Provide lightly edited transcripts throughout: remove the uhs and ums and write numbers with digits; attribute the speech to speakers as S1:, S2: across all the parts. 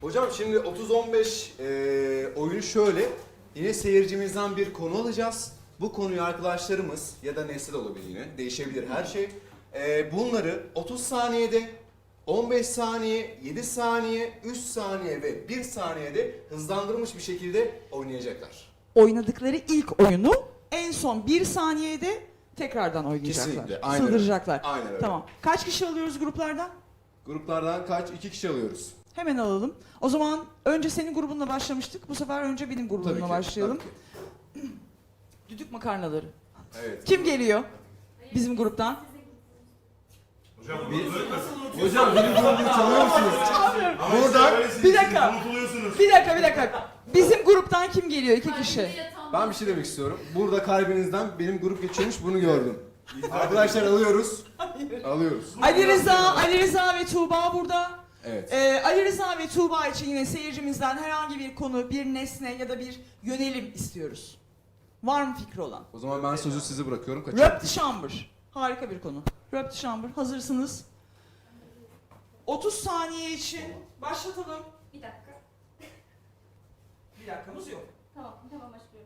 S1: Hocam şimdi 30-15 oyunu şöyle. Yine seyircimizden bir konu alacağız. Bu konuyu arkadaşlarımız ya da nesne de olabilir yine. Değişebilir her şey. Bunları 30 saniyede, 15 saniye, 7 saniye, 3 saniye ve 1 saniyede hızlandırılmış bir şekilde oynayacaklar.
S2: Oynadıkları ilk oyunu en son 1 saniyede tekrardan oynayacaklar.
S1: Kesinlikle, aynen öyle.
S2: Sığdıracaklar.
S1: Aynen öyle.
S2: Tamam. Kaç kişi alıyoruz gruplardan?
S1: Gruplardan kaç? 2 kişi alıyoruz.
S2: Hemen alalım. O zaman önce senin grubunla başlamıştık. Bu sefer önce benim grubumla
S1: Tabii ki,
S2: başlayalım.
S1: tabii ki.
S2: Düdük makarnaları.
S1: Evet.
S2: Kim geliyor bizim gruptan?
S3: Hocam
S1: Hocam benim grubumu tanıyor musunuz? Burada
S2: Bir dakika.
S3: Unutuluyorsunuz.
S2: Bir dakika. Bizim gruptan kim geliyor? 2 kişi.
S1: ben bir şey demek istiyorum. Burada kalbinizden benim grup geçiyormuş, bunu gördüm. Arkadaşlar alıyoruz. Alıyoruz.
S2: Ali Rıza ve Tuğba burada.
S1: Evet.
S2: Ali Rıza ve Tuğba için yine seyircimizden herhangi bir konu, bir nesne ya da bir yönelim istiyoruz. Var mı fikri olan?
S1: O zaman ben sözü size bırakıyorum. Kaçın.
S2: Röp de chambre. Harika bir konu. Röp de chambre. Hazırsınız. 30 saniye için başlatalım.
S4: Bir dakika.
S2: Bir dakikamız yok.
S4: Tamam başlıyorum.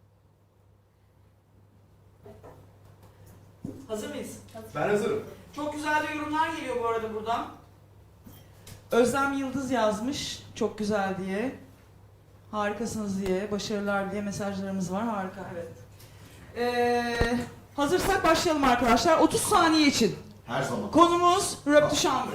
S2: Hazır mıyız?
S1: Ben hazırım.
S2: Çok güzel de yorumlar geliyor bu arada buradan. Özlem Yıldız yazmış. Çok güzel diye. Harikasınız diye, başarılar diye mesajlarımız var. Harika, evet. Hazırsak başlayalım arkadaşlar. 30 saniye için.
S5: Her zaman.
S2: Konumuz Röp de chambre.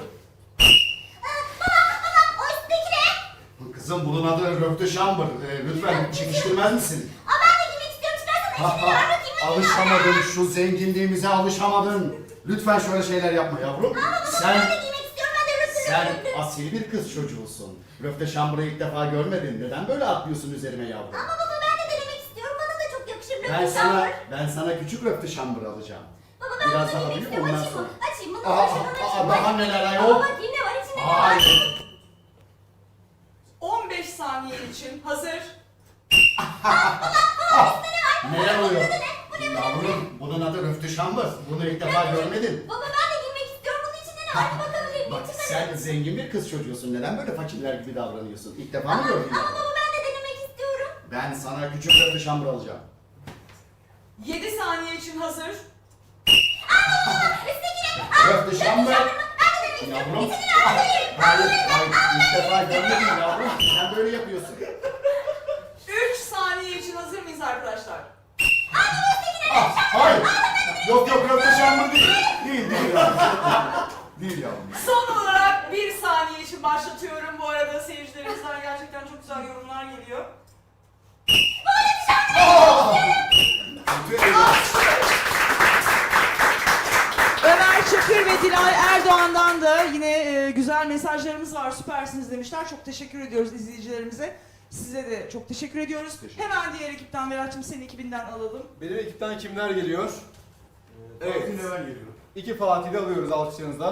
S5: Kızım bunun adı Röpte Şambır. Lütfen çekiştirmez misin?
S4: Ben de giymek istiyorum. Çıkarsana içini ver bakayım.
S5: Alışamadın, şu zenginliğimize alışamadın. Lütfen şöyle şeyler yapma yavrum.
S4: Ben de giymek istiyorum. Ben de rütüne
S5: Sen asil bir kız çocuğusun. Röpte Şambır'ı ilk defa görmedin. Neden böyle atlıyorsun üzerime yavrum?
S4: Ama baba ben de denemek istiyorum. Bana da çok yakışır rütüne.
S5: Ben sana küçük Röpte Şambır alacağım.
S4: Baba ben
S5: Biraz
S4: bunu
S5: daha
S4: giymek
S5: büyük,
S4: istiyorum.
S5: ondan
S4: Açayım mı?
S5: sonra.
S4: Açayım bunu. Açayım.
S5: Daha neler
S4: Baba
S5: ayol?
S4: bakayım ne var içinde ne var?
S5: Hayır.
S2: 15 saniye için hazır.
S5: Neler oluyor? Yavrum bunun adı Röpte Şambır. Bunu ilk defa görmedin.
S4: Baba ben de giymek istiyorum. Bunun içinde ne var? Bir bakabilir miyim?
S5: Bak
S4: Çıkarın.
S5: sen zengin bir kız çocuğusun. Neden böyle fakirler gibi davranıyorsun? İlk defa mı gördün
S4: Ama
S5: ya?
S4: baba ben de denemek istiyorum.
S5: Ben sana küçük Röpte Şambır alacağım.
S2: 7 saniye için hazır.
S5: Röpte Şambır. Yavrum. Hayır, ilk defa görmedim yavrum. Sen böyle yapıyorsun.
S2: 3 saniye için hazır mıyız arkadaşlar?
S5: Hayır. Yok Röpte Şambır değil. Değil yavrum. Değil yavrum.
S2: Son olarak 1 saniye için başlatıyorum. Bu arada seyircilerimizden gerçekten çok güzel yorumlar geliyor. Ömer Çakır ve Dilay Erdoğan'dan da yine güzel mesajlarımız var. Süpersiniz demişler. Çok teşekkür ediyoruz izleyicilerimize. Size de çok teşekkür ediyoruz. Hemen diğer ekipten Berat'cığım senin ekibinden alalım.
S1: Benim ekipten kimler geliyor? Evet.
S3: Fatih Neven geliyor.
S1: 2 Fatih'i alıyoruz alkışlarınızla.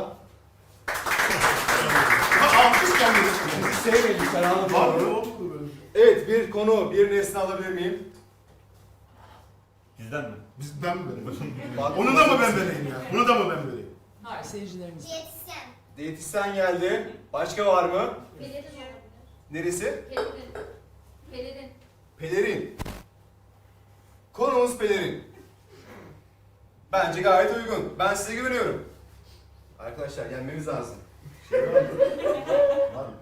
S3: Alkış gelmedi.
S1: Bizi sevmeyin Ferhan'ı
S3: Var mı?
S1: doğru.
S3: Oldu mu böyle?
S1: Evet, bir konu, bir nesne alabilir miyim?
S3: Bizden mi? Ben mi vereyim?
S1: Bak-
S3: Onu da mı ben vereyim ya? Bunu da mı ben vereyim?
S2: Hayır seyircilerimiz.
S4: Diyetisyen.
S1: Diyetisyen geldi. Başka var mı?
S4: Pelerin olabilir.
S1: Neresi?
S4: Pelerin.
S1: Pelerin. Konumuz pelerin. Bence gayet uygun. Ben size güveniyorum. Arkadaşlar yenmemiz lazım.
S5: Var mı?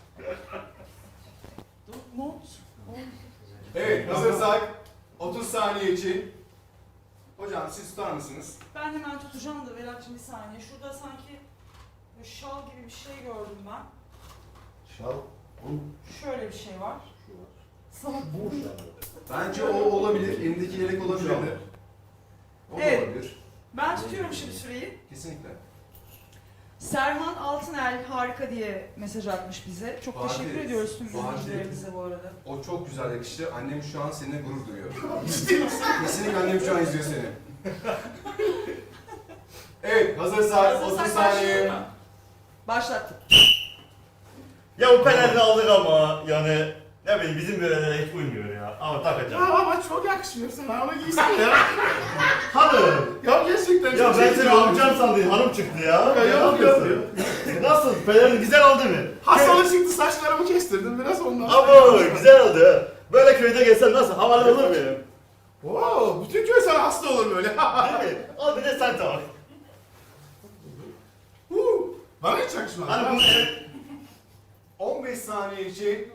S2: Not.
S1: Evet, hazırsak 30 saniye için. Hocam siz tutar mısınız?
S2: Ben hemen tutacağım da Berat'cığım bir saniye. Şurada sanki böyle şal gibi bir şey gördüm ben.
S5: Şal.
S2: Şöyle bir şey var.
S5: Şu var.
S2: Sana
S5: Bu şal.
S1: Bence o olabilir. Elindeki yelek olabilir de. O da
S2: Evet.
S1: olabilir.
S2: Ben tutuyorum şimdi süreyi.
S1: Kesinlikle.
S2: Serhan Altınel harika diye mesaj atmış bize. Çok
S1: Fatih,
S2: teşekkür ediyoruz tüm
S1: Fatih.
S2: izleyicilerimize bu arada.
S1: O çok güzel yakıştı. Annem şu an seninle gurur duyuyor. Kesinlikle annem şu an izliyor seni. Evet, hazırsak 30
S2: Hazırsak
S1: saniye.
S2: başlayalım mı? Başlattık.
S6: Ya bu penaltı aldık ama yani Ya benim bizim börelere hiç uymuyor ya. Ama takacağım.
S3: Ya ama çok yakışmıyor sana onu giysene ya.
S6: Hanım.
S3: Ya gerçekten
S6: Ya
S3: çok
S6: ben seni
S3: çekici
S6: alacağım sandım, hanım çıktı ya.
S3: Ya
S6: Ne
S3: yok
S6: yapıyorsun? Nasıl? Pelerin güzel oldu mu?
S3: Hastalık çıktı saçlarımı kestirdim biraz ondan.
S6: Abo güzel oldu. Böyle köyde gelsen nasıl? Havalı olur muyum?
S3: Oo, bütün köy sana hasta olur böyle.
S6: Değil mi? Al bir de sen tak.
S3: Bana hiç yakışmaz.
S6: Hani bu
S1: 15 saniye için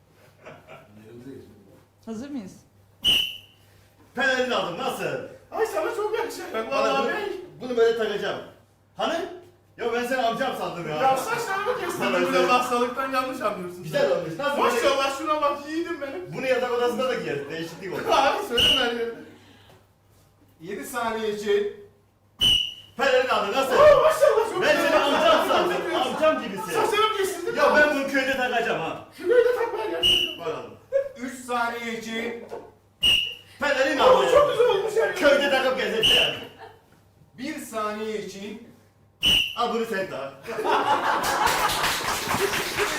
S2: Hazır mıyız?
S6: pelerin aldım nasıl?
S3: Ay sana çok yakışacak
S6: Bana
S3: vallahi
S6: bunu,
S3: bey.
S6: bunu böyle takacağım. Hani? Ya ben seni amcam sandım ya.
S3: Ya saçlarımı kestirdim
S6: Bana
S3: biraz
S6: sen-
S3: hastalıktan yanlış anlıyorsun.
S6: Güzel olmuş. Nasıl böyle?
S3: Maşallah şuna bak yiğidim benim.
S6: Bunu yatak odasında da giyer. Değişiklik olur.
S3: Abi söyle her yerine.
S1: 7 saniye için
S6: Pelerin aldı nasıl?
S3: Oo maşallah çok
S6: Ben
S3: güzel.
S6: seni amcam sandım.
S3: Saçlarımı
S6: Amcam gibisin.
S3: kestirdim.
S6: Ya ben bunu köyde takacağım ha.
S3: Şurayı da takmaya gerçekten.
S6: Bakalım.
S1: 3 saniye için
S6: Pelerin
S3: Oo
S6: aldı.
S3: çok güzel olmuş ya.
S6: Köyde takıp gezeceğim.
S1: 1 saniye için
S6: Al bunu sen tak.